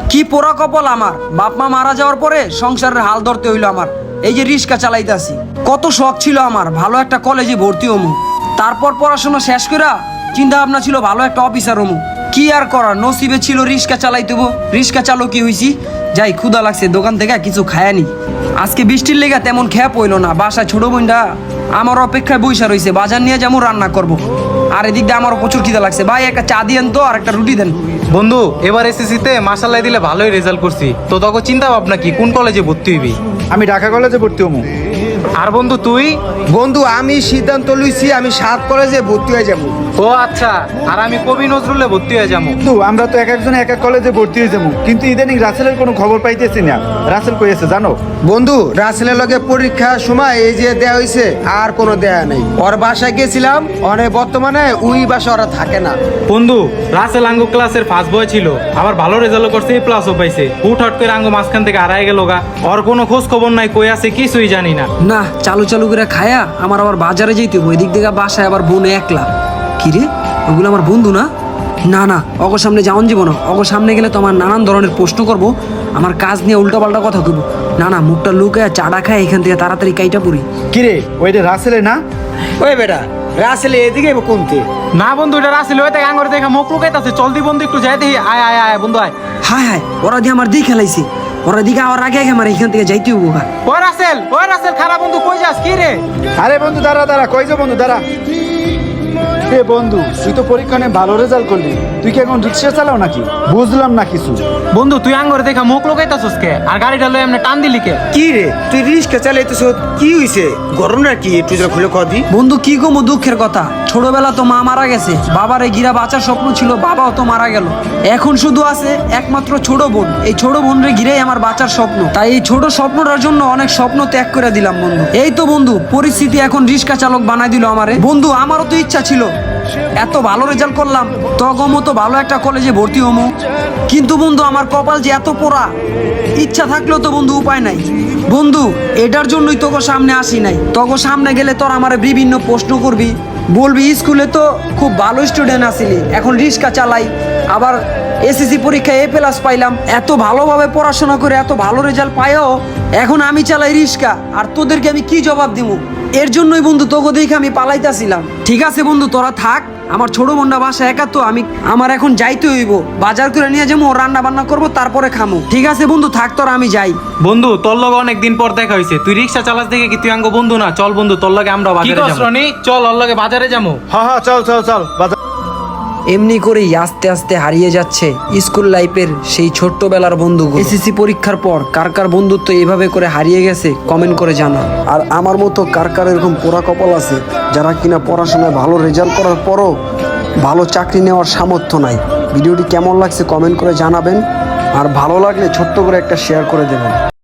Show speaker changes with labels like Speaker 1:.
Speaker 1: কি পোড়া কপাল আমার, বাপ মা মারা যাওয়ার পরে সংসারের হাল ধরতে হইলো আমার। এই যে রিক্সা চালাইতাছি, কত শখ ছিল আমার ভালো একটা কলেজে ভর্তি হমু, তারপর পড়াশোনা শেষ করা চিন্তা ভাবনা ছিল ভালো একটা অফিসার হমু। কি আর করার, নসিবে ছিল রিক্সা চালাইতে হবো। রিক্সা চালকই হইছি। যাই, ক্ষুধা লাগছে, দোকান থেকে কিছু খায়ানি। আজকে বৃষ্টির লেগে তেমন খেয়া পইলো না। বাসায় ছোট বোনটা আমার অপেক্ষায় বইসা রয়েছে, বাজার নিয়ে যেমন রান্না করব। আর এদিক দিয়ে আমারও প্রচুর খিদা লাগছে। ভাই একটা চা দিয়েন তো, আর একটা রুটি দেন।
Speaker 2: বন্ধু, এবার এসএসসিতে মাশাআল্লাহ দিলে ভালোই রেজাল্ট করছি। তো তখন চিন্তা ভাবনা কি, কোন কলেজে ভর্তি হইবি?
Speaker 3: আমি ঢাকা কলেজে ভর্তি হবো।
Speaker 2: আর বন্ধু তুই?
Speaker 4: বন্ধু আমি সিদ্ধান্ত লইছি আমি 7 কলেজে ভর্তি হয়ে যাবো।
Speaker 2: ও আচ্ছা, আর আমি কবি নজরুলে ভর্তি হয়ে যাবো।
Speaker 3: বন্ধু আমরা তো এক একজন এক এক কলেজে ভর্তি হয়ে যাবো, কিন্তু ইদানিং রাসেলের কোনো খবর পাইতেছি না। রাসেল কই আছে জানো?
Speaker 4: বন্ধু রাসেলের লগে পরীক্ষার সময় এই যে দেয়া হয়েছে, আর কোনো দেয়া নেই। ওর বাসায় গেছিলাম, অনেক বর্তমানে ওই বাসা ওরা থাকে না।
Speaker 2: বন্ধু, রাসেল আঙ্গু ক্লাসের ফার্স্ট বয় ছিল, আবার ভালো রেজাল্ট করছে, এ প্লাসও পাইছে। হুটহাট করে আঙ্গু মাঝখান থেকে হারায় গেল গা। ওর কোনো খোঁজ খবর নাই, কই আছে কিছুই জানি না।
Speaker 1: না, চালু চালু করে খায়া আমার আবার বাজারে যেতে হবে। এদিক থেকে বাসায় আবার বোন একলা। কি রে, ওগুলো আমার বন্ধু না? না না, অগর সামনে যাওয়ান যাব না। অগর সামনে গেলে তো আমার নানান ধরনের প্রশ্ন করব, আমার কাজ নিয়ে উল্টাপাল্টা কথা কইব। না না, মুখটা লুকায় চাটা খায় এখান থেকে তাড়াতাড়ি কাইটা পড়ি।
Speaker 3: কিরে ওইটা রাসেলে না?
Speaker 4: ওই বেটা রাসেল এদিকে কোনতে?
Speaker 2: না বন্ধু, এটা রাসেল ওই থেকে আঙ্গুর দেখা মুখ লুকাইতাছে। চল দি বন্ধু, একটু যাই দেখি। আয় আয় আয় বন্ধু আয়।
Speaker 1: হায় হায়, ওরা দিয়ে আমার দিয়ে খেলাইছে। ওরা দিকে আমার আগে আগে আমার এখান থেকে যাইতে হবো।
Speaker 2: ওই রাসেল খারাপ বন্ধু, কই যাস? কি রে?
Speaker 3: আরে বন্ধু দাঁড়া দাঁড়া, কই যা বন্ধু দাঁড়া। এ বন্ধু তুই তো পরীক্ষা নিয়ে ভালো রেজাল্ট করলি, তুই কি এখন রিক্সা চালাও নাকি? বুঝলাম না কিছু।
Speaker 2: বন্ধু তুই আঙ্গুর দেখা মুখ লুকাইতাছস কে? আর গাড়িটা লই এমনি টান দিলি কে?
Speaker 4: কি রে তুই রিক্সা চালাইতেছ, কি হইছে? গরম না কি? একটু খুলে কদি।
Speaker 1: বন্ধু কি গো দুঃখের কথা, ছোটবেলা তো মা মারা গেছে, বাবার এই গিরা বাঁচার স্বপ্ন ছিল, বাবাও তো মারা গেল। এখন শুধু আছে একমাত্র ছোট বোন। এই ছোট বোনরে ঘিরেই আমার বাঁচার স্বপ্ন। তাই এই ছোট স্বপ্নটার জন্য অনেক স্বপ্ন ত্যাগ করে দিলাম বন্ধু। এই তো বন্ধু, পরিস্থিতি এখন রিক্সা চালক বানাই দিল আমারে। বন্ধু আমারও তো ইচ্ছা ছিল, এত ভালো রেজাল্ট করলাম, তগমো তো ভালো একটা কলেজে ভর্তি হমো। কিন্তু বন্ধু আমার কপাল যে এত পোড়া, ইচ্ছা থাকলেও তো বন্ধু উপায় নাই। বন্ধু এটার জন্যই তোকে সামনে আসি নাই। তোকে সামনে গেলে তোর আমার বিভিন্ন প্রশ্ন করবি, বলবি স্কুলে তো খুব ভালো স্টুডেন্ট আছিলি, এখন রিক্সা চালাই, আবার এসএসসি পরীক্ষায় A+ পাইলাম। এত ভালোভাবে পড়াশোনা করে এত ভালো রেজাল্ট পাইও এখন আমি চালাই রিক্সা, আর তোদেরকে আমি কি জবাব দিব? এর জন্যই বন্ধু তোকে দেখে আমি পালাইতাছিলাম। ঠিক আছে বন্ধু, তোরা থাক, আমার ছোট বোনটা বাসা একা, তো আমার এখন যাইতে হইব। বাজার করে নিয়ে যাবো, রান্না বান্না করবো, তারপরে খামো। ঠিক আছে বন্ধু, থাক তোরা, আমি যাই।
Speaker 2: বন্ধু তোর লগে অনেকদিন পর দেখা হইছে, তুই রিক্সা চালাস দেখে কি তুই আঙ্গো বন্ধু না? চল বন্ধু, তোর লগে আমরা বাজারে যাবো। চল ওর লগে বাজারে যাবো।
Speaker 3: হ্যাঁ হ্যাঁ চল চল চল বাজার।
Speaker 1: এমনি করেই আস্তে আস্তে হারিয়ে যাচ্ছে স্কুল লাইফের সেই ছোট্টবেলার বন্ধুগুলো। এসএসসি পরীক্ষার পর কার কার বন্ধুত্ব এইভাবে করে হারিয়ে গেছে কমেন্ট করে জানা। আর আমার মতো কার কার এরকম পোড়া কপাল আছে যারা কিনা পড়াশোনায় ভালো রেজাল্ট করার পরও ভালো চাকরি নেওয়ার সামর্থ্য নাই? ভিডিওটি কেমন লাগছে কমেন্ট করে জানাবেন, আর ভালো লাগলে ছোট্ট করে একটা শেয়ার করে দেবেন।